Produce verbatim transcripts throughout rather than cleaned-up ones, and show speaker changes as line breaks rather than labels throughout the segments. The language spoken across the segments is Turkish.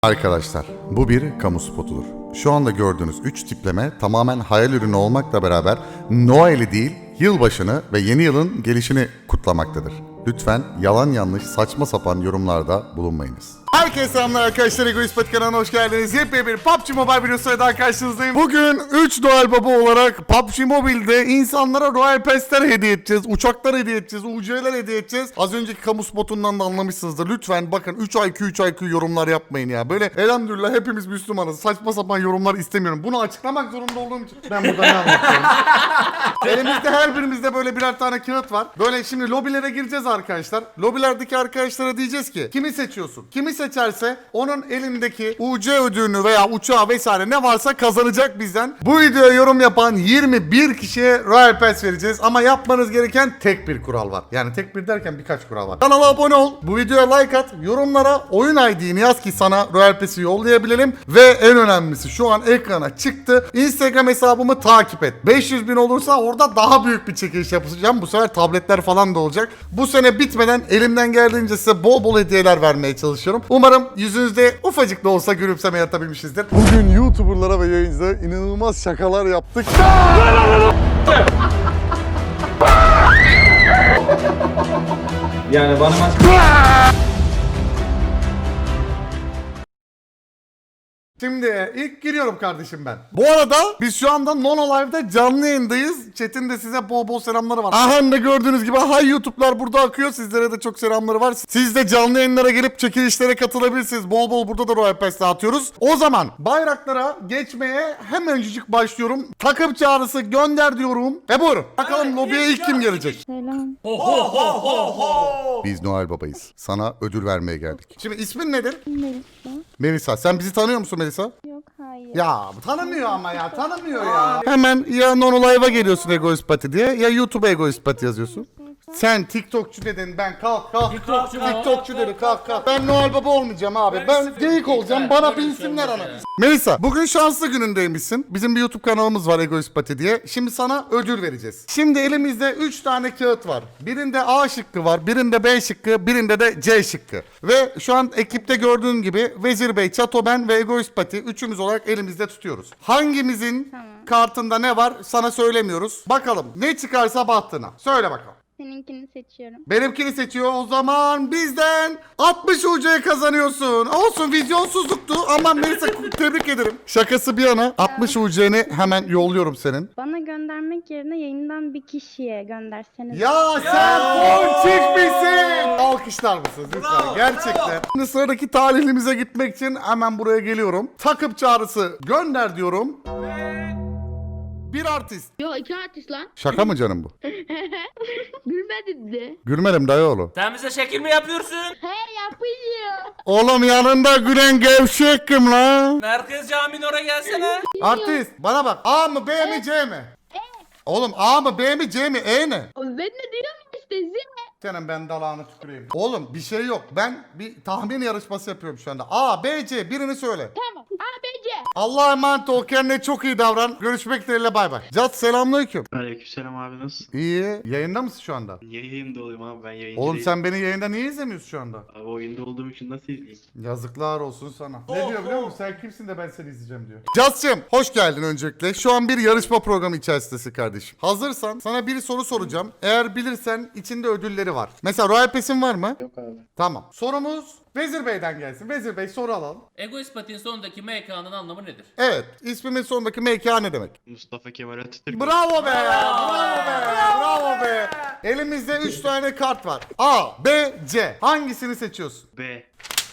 Arkadaşlar, bu bir kamu spotudur. Şu anda gördüğünüz üç tipleme tamamen hayal ürünü olmakla beraber Noel'i değil, yılbaşını ve yeni yılın gelişini kutlamaktadır. Lütfen yalan yanlış saçma sapan yorumlarda bulunmayınız. Herkese selamlar arkadaşlar, Egoist Pati kanalına hoş geldiniz. Yepyeni bir P U B G Mobile videosuyla daha karşınızdayım. Bugün üç Noel Baba olarak P U B G Mobile'de insanlara Royal Pass'ler hediye edeceğiz, uçaklar hediye edeceğiz, U C'ler hediye edeceğiz. Az önceki kamu spotundan da anlamışsınızdır. Lütfen bakın üç I Q üç I Q yorumlar yapmayın ya. Böyle elhamdülillah hepimiz Müslümanız. Saçma sapan yorumlar istemiyorum. Bunu açıklamak zorunda olduğum için ben burada ne anlatıyorum? Elimizde her birimizde böyle birer tane kağıt var. Böyle şimdi lobilere gireceğiz arkadaşlar. Lobilerdeki arkadaşlara diyeceğiz ki kimi seçiyorsun? Kimi seçerse onun elindeki U C ödülünü veya uçağı vesaire ne varsa kazanacak bizden. Bu videoya yorum yapan yirmi bir kişiye Royal Pass vereceğiz. Ama yapmanız gereken tek bir kural var. Yani tek bir derken birkaç kural var. Kanala abone ol. Bu videoya like at. Yorumlara oyun I D'ni yaz ki sana Royal Pass'i yollayabilelim. Ve en önemlisi şu an ekrana çıktı. Instagram hesabımı takip et. beş yüz bin olursa orada daha büyük bir çekiliş yapacağım. Bu sefer tabletler falan da olacak. Bu sene bitmeden elimden geldiğince size bol bol hediyeler vermeye çalışıyorum. Umarım yüzünüzde ufacık da olsa gülümseme yaratabilmişizdir. Bugün YouTuber'lara ve yayıncılara inanılmaz şakalar yaptık.
Yani bana maç...
Şimdi ilk giriyorum kardeşim ben. Bu arada biz şu anda Nono Live'da canlı yayındayız. Chat'in de size bol bol selamları var. Aha da gördüğünüz gibi hay YouTube'lar burada akıyor. Sizlere de çok selamları var. Siz de canlı yayınlara gelip çekilişlere katılabilirsiniz. Bol bol burada da Royal Pass dağıtıyoruz. O zaman bayraklara geçmeye hemencik başlıyorum. Takım çağrısı gönder diyorum. Ve buyurun. Bakalım lobiye ilk kim gelecek?
Selam.
Biz Noel Baba'yız. Sana ödül vermeye geldik. Şimdi ismin nedir?
Melisa.
Melisa. Sen bizi tanıyor musun Melisa?
Yok hayır.
Ya tanımıyor ama ya tanımıyor ya. Hemen ya Nono Live'a geliyorsun Egoist Pati diye ya YouTube'a Egoist Pati yazıyorsun. Sen TikTokçu dedin, ben kalk kalk.
TikTokçu mu?
TikTokçu dedi, kalk kalk. Ben Noel Baba olmayacağım abi. Ben geyik olacağım. Bana binsinler ana. Melisa, bugün şanslı günündeymişsin. Bizim bir YouTube kanalımız var Egoist Pati diye. Şimdi sana ödül vereceğiz. Şimdi elimizde üç tane kağıt var. Birinde A şıkkı var, birinde B şıkkı, birinde de C şıkkı. Ve şu an ekipte gördüğün gibi Vezir Bey, Çato, ben ve Egoist Pati üçümüz olarak elimizde tutuyoruz. Hangimizin
Tamam.
kartında ne var sana söylemiyoruz. Bakalım ne çıkarsa bahtına. Söyle bakalım.
Seninkini seçiyorum.
Benimkini seçiyor, o zaman bizden altmış U C kazanıyorsun. Olsun, vizyonsuzluktu ama Melisa tebrik ederim. Şakası bir yana altmış U C'ni hemen yolluyorum senin.
Bana göndermek yerine yayından bir kişiye gönderseniz.
Ya sen ponçik misin? Alkışlar mısınız lütfen? Gerçekten. Şimdi sıradaki talihlimize gitmek için hemen buraya geliyorum. Takım çağrısı gönder diyorum. Bir artist.
Yo iki artist lan.
Şaka mı canım bu?
Gülmedin de.
Gülmedim dayıoğlu.
Sen bize şekil mi yapıyorsun?
He yapıyor.
Oğlum yanında gülen gevşek kim lan?
Merkez Camii'nin oraya gelsene.
Artist bana bak, A mı B mi C mi? Oğlum A mı B mi C mi E ne?
Ben ne diyorum işte zile.
Senin ben dalağını tüküreyim. Oğlum bir şey yok, ben bir tahmin yarışması yapıyorum şu anda. A, B, C birini söyle.
Tamam. A B C.
Allah'a emanet ol, kendine çok iyi davran. Görüşmek dileğiyle, bay bay. Cat selamünaleyküm.
Aleykümselam abi, nasılsın?
İyi, yayında mısın şu anda?
Niye yayında olayım abi, ben yayıncı
Oğlum
değilim.
sen beni yayında niye izlemiyorsun şu anda?
Abi oyunda olduğum için nasıl izleyeyim?
Yazıklar olsun sana. Ne diyor biliyor musun? Sen kimsin de ben seni izleyeceğim diyor. Cat'cığım hoş geldin öncelikle. Şu an bir yarışma programı içerisindesin kardeşim. Hazırsan sana bir soru soracağım. Eğer bilirsen içinde ödülleri var. Mesela Royal Pass'in var mı?
Yok abi.
Tamam. Sorumuz Vezir Bey'den gelsin. Vezir Bey soru alalım.
Egoist Pati'nin sonundaki M K'nın anlamı nedir?
Evet. İsmimin sonundaki M K ne demek?
Mustafa Kemal Atatürk.
Bravo be! Bravo be! Bravo be! Elimizde üç tane kart var. A, B, C. Hangisini seçiyorsun?
B.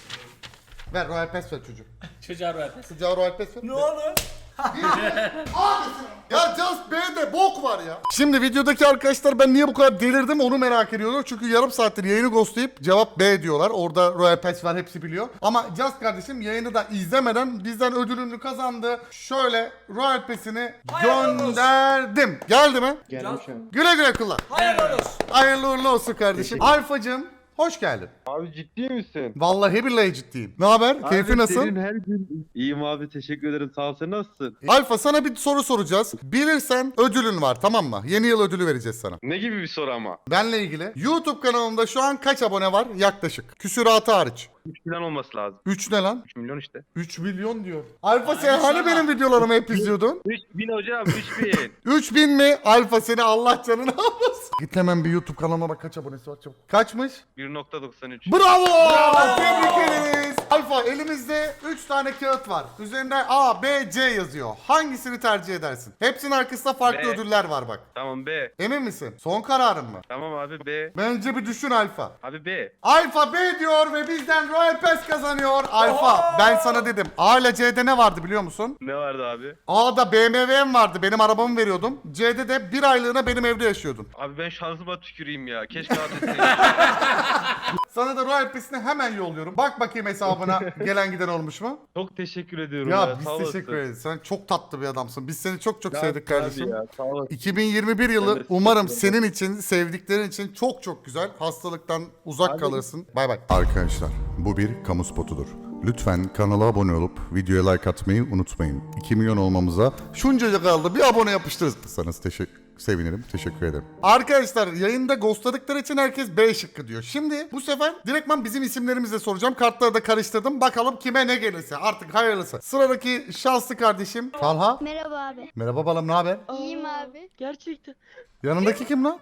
Ver Royal Pass ver çocuğum.
Çocuğa Royal Pass.
Çocuğa Royal Pass ver.
Ne oldu?
Ya Just B'de bok var ya. Şimdi videodaki arkadaşlar ben niye bu kadar delirdim onu merak ediyorlar. Çünkü yarım saattir yayını ghostlayıp cevap B diyorlar. Orada Royal Pass var, hepsi biliyor. Ama Just kardeşim yayını da izlemeden bizden ödülünü kazandı. Şöyle Royal Pass'ini gönderdim. Geldi mi?
Geldim şu an.
Güle güle kullan.
Hayırlı olsun.
Hayırlı uğurlu olsun kardeşim. Alfacığım hoş geldin.
Abi ciddi misin?
Vallahi billahi ciddiyim. Ne haber? Keyfi
Abi
nasıl?
senin her gün... İyiyim abi, teşekkür ederim, sağ ol, sen nasılsın?
Alfa sana bir soru soracağız. Bilirsen ödülün var, tamam mı? Yeni yıl ödülü vereceğiz sana.
Ne gibi bir soru ama?
Benle ilgili. YouTube kanalımda şu an kaç abone var? Yaklaşık. Küsuratı hariç.
üç milyon olması lazım.
üç ne lan?
üç milyon işte.
üç milyon diyor. Alfa sen hani benim videolarımı hep izliyordun?
üç bin hocam üç bin.
üç bin mi? Alfa seni Allah canını almasın. Git hemen bir YouTube kanalıma bak kaç abonesi var çabuk. Kaçmış?
bir nokta doksan üç.
Bravo! Tebrik ederiz. Alfa elimizde üç tane kağıt var. Üzerinde A, B, C yazıyor. Hangisini tercih edersin? Hepsinin arkasında farklı
B.
ödüller var bak.
Tamam B.
Emin misin? Son kararın mı?
Tamam abi B.
Bence bir düşün Alfa.
Abi B.
Alfa B diyor ve bizden Royal Pass kazanıyor. Alfa ben sana dedim. A ile C'de ne vardı biliyor musun?
Ne vardı abi?
A'da B M W'm vardı. Benim arabamı veriyordum. C'de de bir aylığına benim evde yaşıyordun.
Abi ben şansıma tüküreyim ya. Keşke adresini.
Sana da Royal Pass'ini hemen yolluyorum. Bak bakayım hesabına gelen giden olmuş mu?
Çok teşekkür ediyorum
Ya
ya.
biz
sağ olasın.
teşekkür ederiz. Sen çok tatlı bir adamsın. Biz seni çok çok
Ya,
sevdik
tabii
kardeşim.
Ya, sağ olasın.
iki bin yirmi bir
Ben
yılı
de
umarım
teşekkür
senin için, sevdiklerin için çok çok güzel. Hastalıktan uzak
Abi-
kalırsın. Bay bay. Arkadaşlar bu bir kamu spotudur. Lütfen kanala abone olup videoya like atmayı unutmayın. iki milyon olmamıza şuncacık kaldı. Bir abone yapıştırırsanız teşekkür sevinirim. Teşekkür ederim. Arkadaşlar yayında ghostladıkları için herkes B şıkkı diyor. Şimdi bu sefer direktman bizim isimlerimizle soracağım. Kartları da karıştırdım. Bakalım kime ne gelirse. Artık hayırlısı. Sıradaki şanslı kardeşim Talha.
Merhaba abi.
Merhaba balım, ne haber?
İyiyim abi.
Gerçekten.
Yanındaki kim lan?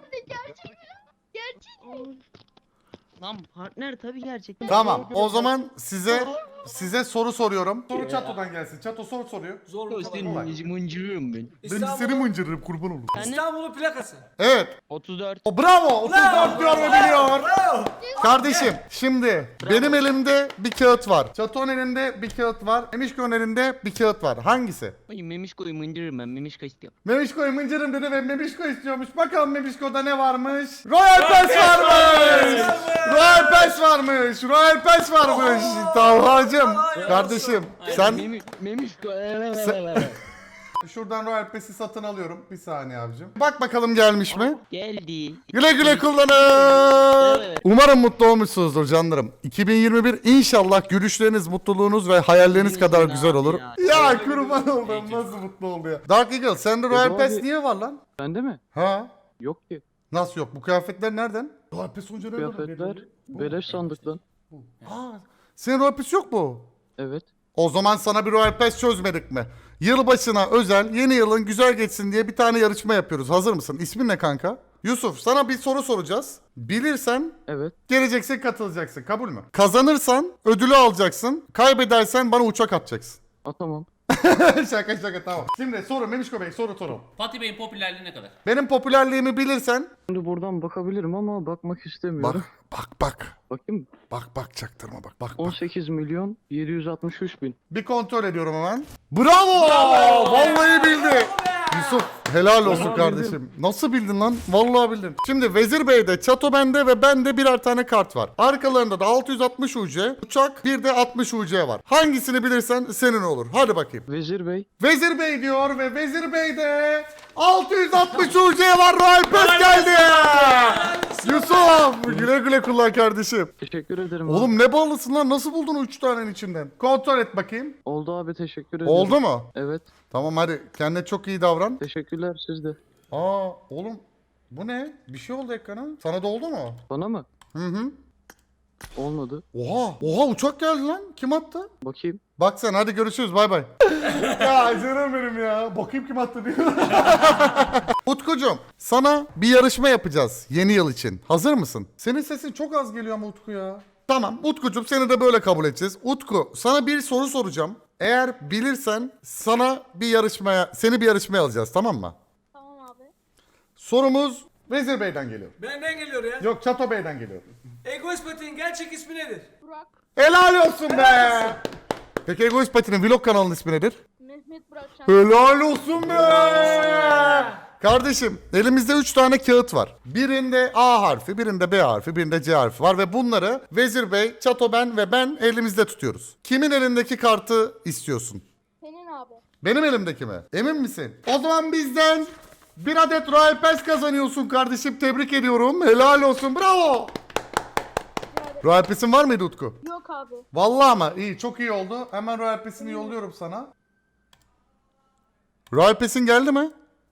Lan partner tabii gerçekten.
Tamam. O zaman size size soru soruyorum. Soru Çato'dan gelsin. Çato soru soruyor.
Zor
O senin mıncırıyorum ben.
Ben seni mıncırırım kurban olurum.
İstanbul'un plakası.
Evet.
otuz dört.
O bravo. otuz dört diyor ve biliyor. Kardeşim şimdi benim elimde bir kağıt var. Çato'nun elinde bir kağıt var. Memişko'nun elinde bir kağıt var. Hangisi?
Ay Memişko'yu mıncırırım ben. Memişko istiyorum.
Memişko'yu mıncırım dedi ve Memişko istiyormuş. Bakalım Memişko'da ne varmış? Royal Pass varmış. Royal Pass varmış. Royal Pass varmış. Talha'cım. Kardeşim sen
Memi, Memişko.
şuradan Royal Pass'i satın alıyorum. Bir saniye abicim. Bak bakalım gelmiş mi?
Geldi.
Güle güle kullanın.
Evet.
Umarım mutlu olmuşsunuzdur canlarım. iki bin yirmi bir inşallah gülüşleriniz, mutluluğunuz ve hayalleriniz kadar
Abi
güzel olur.
ya.
Ya kurban oldum nasıl mutlu oldu ya. Dark Eagle sende Royal
abi.
Pass niye var lan?
Bende mi?
Ha?
Yok ki.
Nasıl yok? Bu kıyafetler nereden? Royal Pass onca nereden
Kıyafetler
geliyor?
beleş sandık lan.
Aa, senin Royal Pass yok mu?
Evet.
O zaman sana bir Royal Pass çözmedik mi? Yılbaşına özel yeni yılın güzel geçsin diye bir tane yarışma yapıyoruz. Hazır mısın? İsmin ne kanka? Yusuf sana bir soru soracağız. Bilirsen
Evet.
geleceksin katılacaksın. Kabul mü? Kazanırsan ödülü alacaksın. Kaybedersen bana uçak atacaksın.
A tamam.
şaka şaka tamam. Şimdi soru Memişko Bey soru soru.
Fatih Bey'in popülerliği ne kadar?
Benim popülerliğimi bilirsen
Şimdi buradan bakabilirim ama bakmak
bak
istemiyorum.
bak bak.
Bakayım.
Bak bak çaktırma bak bak
on
bak.
sekiz milyon yedi yüz altmış üç bin.
Bir kontrol ediyorum hemen. Bravo! Vallahi bildi. Yusuf helal olsun
Vallahi
kardeşim. Nasıl bildin lan? Vallahi bildin. Şimdi Vezir Bey'de, Çato bende ve bende birer tane kart var. Arkalarında da altı yüz altmış U C, uçak, bir de altmış U C var. Hangisini bilirsen senin olur. Hadi bakayım.
Vezir Bey.
Vezir Bey diyor ve Vezir Bey'de altı yüz altmış U C var. Royal Pass geldi. Yusuf güle güle kullan kardeşim.
Teşekkür ederim. abi.
Oğlum ne ballısın lan? Nasıl buldun o üç tanenin içinden? Kontrol et bakayım.
Oldu abi teşekkür ederim.
Oldu mu?
Evet.
Tamam hadi kendine çok iyi davran.
Teşekkürler siz de.
Aa oğlum bu ne? Bir şey oldu ekrana. Sana da oldu mu?
Bana mı?
Hı hı.
Olmadı.
Oha. Oha uçak geldi lan. Kim attı?
Bakayım.
Bak sen hadi görüşürüz bay bay. Ya canım benim ya. Bakayım kim attı diyor. Utkucuğum sana bir yarışma yapacağız yeni yıl için. Hazır mısın? Senin sesin çok az geliyor ama Utku ya. Tamam Utkucuğum seni de böyle kabul edeceğiz. Utku sana bir soru soracağım. Eğer bilirsen sana bir yarışmaya, seni bir yarışmaya alacağız tamam mı?
Tamam abi.
Sorumuz Vezir Bey'den geliyor.
Benden geliyor ya.
Yok Çato Bey'den geliyor.
Egoist Pati'nin gerçek ismi nedir?
Burak.
Helal olsun be. Peki Egoist Pati'nin vlog kanalının ismi nedir?
Mehmet Burak Şen.
Helal olsun be. Kardeşim elimizde üç tane kağıt var. Birinde A harfi, birinde B harfi, birinde C harfi var ve bunları Vezir Bey, Çato ben ve ben elimizde tutuyoruz. Kimin elindeki kartı istiyorsun?
Senin abi.
Benim elimdeki mi? Emin misin? O zaman bizden bir adet Royal Pass kazanıyorsun kardeşim. Tebrik ediyorum. Helal olsun. Bravo. Royal Pass'in var mıydı Utku?
Yok abi.
Vallahi ama iyi çok iyi oldu. Hemen Royal Pass'ini yolluyorum sana. Royal Pass'in geldi mi?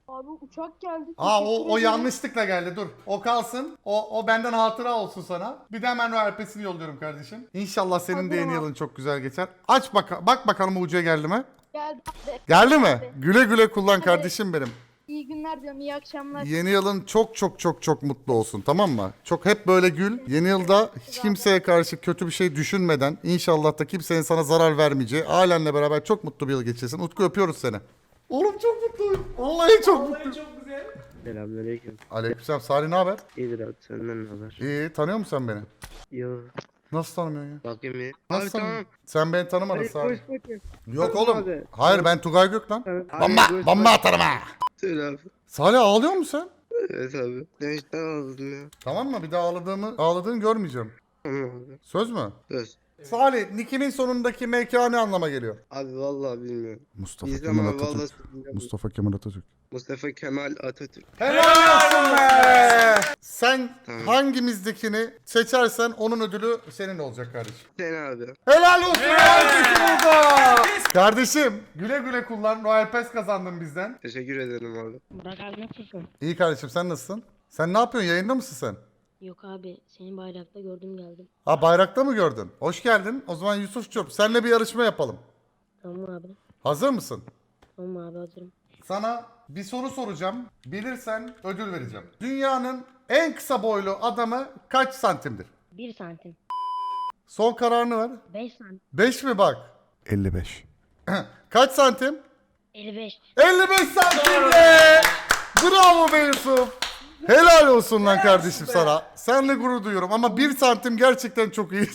Abi uçak geldi.
Aa o,
Teşekkür
o
ederim.
yanlışlıkla geldi dur. O kalsın. O, o benden hatıra olsun sana. Bir de hemen Royal Pass'ini yolluyorum kardeşim. İnşallah senin de yeni
Hazırım abi.
yılın çok güzel geçer. Aç bak bak bakalım ucuya geldi mi?
Geldi abi.
Geldi mi?
Abi.
Güle güle kullan
Hadi.
kardeşim benim.
İyi günler diyorum. İyi akşamlar.
Yeni yılın çok çok çok çok mutlu olsun, tamam mı? Çok hep böyle gül. Yeni yılda hiç kimseye karşı kötü bir şey düşünmeden, inşallah da kimsenin sana zarar vermeyeceği, ailenle beraber çok mutlu bir yıl geçirsin. Utku öpüyoruz seni. Oğlum çok mutluyum. Vallahi çok
Vallahi
mutluyum.
çok güzel.
Selamünaleyküm.
Aleykümselam. Salih ne haber?
İyidir abi, senden ne haber?
İyi, tanıyor musun sen beni?
Yo,
Nasıl tanımıyorsun ya?
bakayım iyi.
Nasıl
Abi
tanımıyorsun?
tamam.
Sen beni tanımadın
Hadi
Salih.
koş bakayım.
Yok
Tamam
oğlum.
abi.
Hayır ben Tugay Gök lan.
Tamam.
Bomba,
Hadi koş
bomba
bak-
atarım ha.
Söyle abi.
Salih ağlıyor musun sen?
Evet abi. Ben işte ağladım ya.
Tamam mı? Bir daha ağladığımı, ağladığını görmeyeceğim.
Tamam abi.
Söz mü?
Söz.
Salih, Nick'imin sonundaki M K ne anlama geliyor?
Abi vallahi bilmiyorum.
Mustafa
İzlem
Kemal
abi vallahi
Atatürk.
bilmiyorum.
Mustafa Kemal Atatürk.
Mustafa Kemal Atatürk.
Helal olsun be! Sen
Tamam.
hangimizdekini seçersen onun ödülü senin olacak kardeşim.
Sen abi.
Helal olsun! Herkesi burada! Kardeşim güle güle kullan. Royal Pass kazandın bizden.
Teşekkür ederim abi.
Burak abi nasılsın?
İyi kardeşim sen nasılsın? Sen ne yapıyorsun? Yayında mısın sen?
Yok abi seni bayrakta gördüm geldim.
Ha bayrakta mı gördün? Hoş geldin. O zaman Yusuf'cum seninle bir yarışma yapalım.
Tamam abi.
Hazır mısın?
Tamam abi hazırım.
Sana bir soru soracağım. Bilirsen ödül vereceğim. Dünyanın en kısa boylu adamı kaç santimdir?
Bir santim.
Son kararını ver.
Beş santim.
beş mi bak? elli beş. Kaç santim?
Elli beş.
elli beş santim be! Bravo be Yusuf. Helal olsun lan kardeşim sana. Seninle gurur duyuyorum ama bir santim gerçekten çok iyi.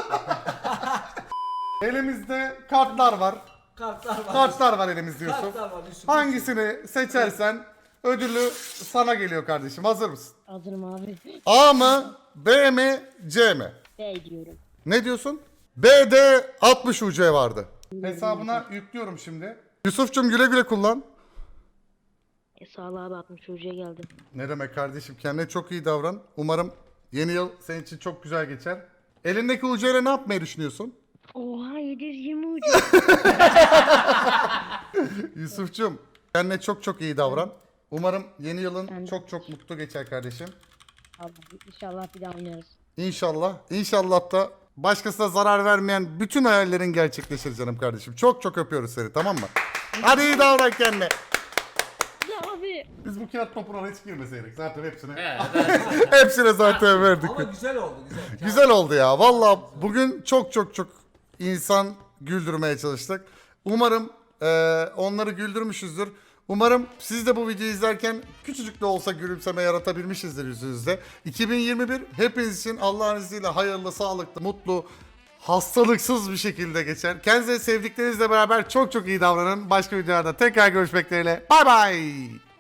Elimizde kartlar var.
Kartlar var.
Kartlar var elimizde Yusuf.
Kartlar var Yusuf.
Hangisini seçersen ödülü sana geliyor kardeşim. Hazır mısın?
Hazırım abi.
A mı? B mi? C mi?
B diyorum.
Ne diyorsun? B'de altmış U C vardı. Hesabına yüklüyorum şimdi. Yusuf'cum güle güle kullan.
E, sağ ol abi altmış çocuğa geldim.
Ne demek kardeşim, kendine çok iyi davran. Umarım yeni yıl senin için çok güzel geçer. Elindeki U C ile ne yapmayı düşünüyorsun?
Oha yedi yüz yirmi ucu.
Yusuf'cum kendine çok çok iyi davran. Umarım yeni yılın
Ben de.
çok çok mutlu geçer kardeşim.
Allah inşallah bir daha oynarız.
İnşallah. İnşallah da başkasına zarar vermeyen bütün hayallerin gerçekleşir canım kardeşim. Çok çok öpüyoruz seni, tamam mı? Hadi iyi davran kendine.
Ya abi.
Biz bu kağıt topuna hiç girmeseydik zaten hepsine.
Evet, evet.
Hepsine zaten verdik.
Ama güzel oldu güzel.
Güzel oldu ya. Valla bugün çok çok çok insan güldürmeye çalıştık. Umarım eee, onları güldürmüşüzdür. Umarım siz de bu videoyu izlerken küçücük de olsa gülümseme yaratabilmişizdir yüzünüzde. iki bin yirmi bir hepiniz için Allah'ın izniyle hayırlı, sağlıklı, mutlu, hastalıksız bir şekilde geçer. Kendinize sevdiklerinizle beraber çok çok iyi davranın. Başka videolarda tekrar görüşmek dileğiyle. Bay bay.